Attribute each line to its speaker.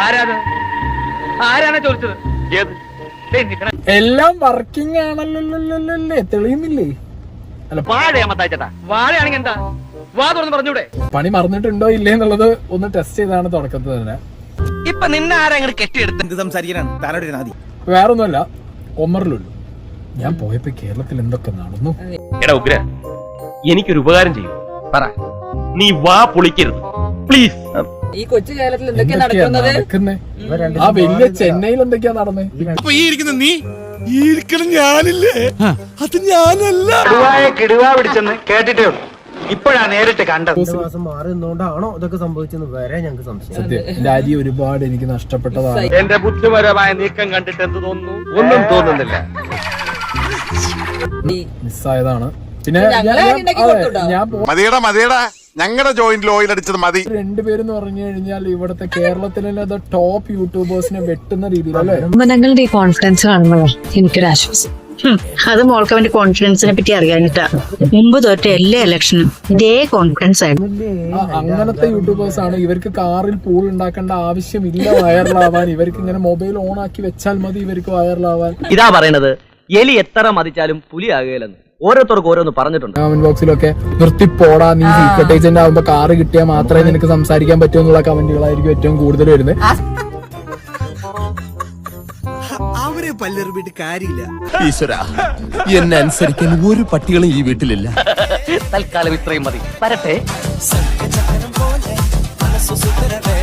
Speaker 1: ആരാണ് ചോദിച്ചത്?
Speaker 2: എല്ലാം വർക്കിംഗ് ആണല്ലോ, തെളിയുന്നില്ലേ? അല്ല
Speaker 1: വാഴയാമത്താച്ചേട്ടാ, വാഴയാണെങ്കിൽ എന്താ വാ തുറന്ന് പറഞ്ഞൂടെ?
Speaker 2: പണി മറന്നിട്ടുണ്ടോ ഇല്ലേ എന്നുള്ളത് ഒന്ന് ടെസ്റ്റ് ചെയ്താണ് തുടക്കത്തിൽ തന്നെ.
Speaker 1: ഇപ്പൊ നിന്നെ ആരെങ്കിലും കെട്ടിയെടുത്ത്
Speaker 3: സംസാരിക്കാനാണ് താനോട് ആദ്യം.
Speaker 2: വേറൊന്നുമല്ല, ഒമറിലുള്ളൂ. ഞാൻ പോയപ്പോ കേരളത്തിൽ എന്തൊക്കെ നടന്നു.
Speaker 4: എടാ ഉഗ്ര, എനിക്കൊരു ഉപകാരം ചെയ്യൂ. പറ, നീ വാ പൊളിക്കരുത് പ്ലീസ്.
Speaker 5: ഈ കൊച്ചു കേരളത്തിൽ എന്തൊക്കെയാ
Speaker 2: എന്തൊക്കെയാ
Speaker 5: നടക്കുന്നത്?
Speaker 2: നടക്കുന്നേ? ആ വലിയ ചെന്നൈയിൽ എന്തൊക്കെയാ നടന്നേ?
Speaker 3: അപ്പൊ ഈ ഇരിക്കുന്ന നീ ഇരിക്കണം ഞാനില്ലേ? അത് ഞാനല്ല.
Speaker 1: കിടുവാ പിടിച്ചെന്ന് കേട്ടിട്ടേ ഉള്ളൂ, ഇപ്പോഴാ നേരിട്ട് കണ്ടത്.
Speaker 6: മാസം മാറി നിന്നോണ്ടാണോ ഇതൊക്കെ സംഭവിച്ചെന്ന് വരെ ഞങ്ങൾക്ക് സംശയം.
Speaker 2: സത്യം, എന്റെ അരി ഒരുപാട് എനിക്ക് നഷ്ടപ്പെട്ടതാണ്.
Speaker 4: എന്റെ ബുദ്ധിപരമായ നീക്കം കണ്ടിട്ട് എന്ത് തോന്നുന്നു? ഒന്നും തോന്നുന്നില്ല.
Speaker 2: മിസ്സായതാണ്. പിന്നെ ഞാൻ
Speaker 7: മതിയടാ ഞങ്ങളുടെ ജോയിന്റിൽ ഓയിൽ അടിച്ചത് മതി.
Speaker 2: രണ്ടുപേരെന്ന് പറഞ്ഞു കഴിഞ്ഞാൽ ഇവിടുത്തെ കേരളത്തിലെ ടോപ്പ് യൂട്യൂബേഴ്സിനെ വെട്ടുന്ന രീതിയിലല്ലേ?
Speaker 8: ഞങ്ങളുടെ ഈ കോൺഫിഡൻസ് കാണുമ്പോഴാണ് എനിക്കൊരു ആശ്വാസം. അത് മോൾക്ക് അവന്റെ കോൺഫിഡൻസിനെ പറ്റി അറിയാനിട്ടാ. മുമ്പ് തൊട്ട് എല്ലാ ഇലക്ഷനും ഇതേ കോൺഫിഡൻസ് ആയിരുന്നു.
Speaker 2: അങ്ങനത്തെ യൂട്യൂബേഴ്സ് ആണ്. ഇവർക്ക് കാറിൽ പൂൾ ഉണ്ടാക്കേണ്ട ആവശ്യമില്ല വൈറലാവാൻ. ഇവർക്ക് ഇങ്ങനെ മൊബൈൽ ഓൺ ആക്കി വെച്ചാൽ മതി ഇവർക്ക് വൈറലാവാൻ.
Speaker 9: ഇതാ പറയണത്, എലി എത്ര മതിച്ചാലും പുലി ആകുകയില്ലെന്ന് ഓരോരുത്തർക്ക് ഓരോന്ന് പറഞ്ഞിട്ടുണ്ട്.
Speaker 2: കമന്റ് ബോക്സിലൊക്കെ നിർത്തിപ്പോടാ, നീ സീക്രട്ട് ഏജന്റ് ആവുമ്പോ കാറ് കിട്ടിയാൽ മാത്രമേ നിനക്ക് സംസാരിക്കാൻ പറ്റൂ എന്നുള്ള കമന്റുകളായിരിക്കും ഏറ്റവും കൂടുതൽ വരുന്നത്.
Speaker 3: അവരെ പല്ലെറിഞ്ഞിട്ട് കാര്യമില്ല.
Speaker 7: ഈശ്വര, എന്നെ അനുസരിക്കാൻ ഒരു പട്ടികളും ഈ വീട്ടിലില്ല.
Speaker 9: തൽക്കാലം ഇത്രയും മതി. വരട്ടെ.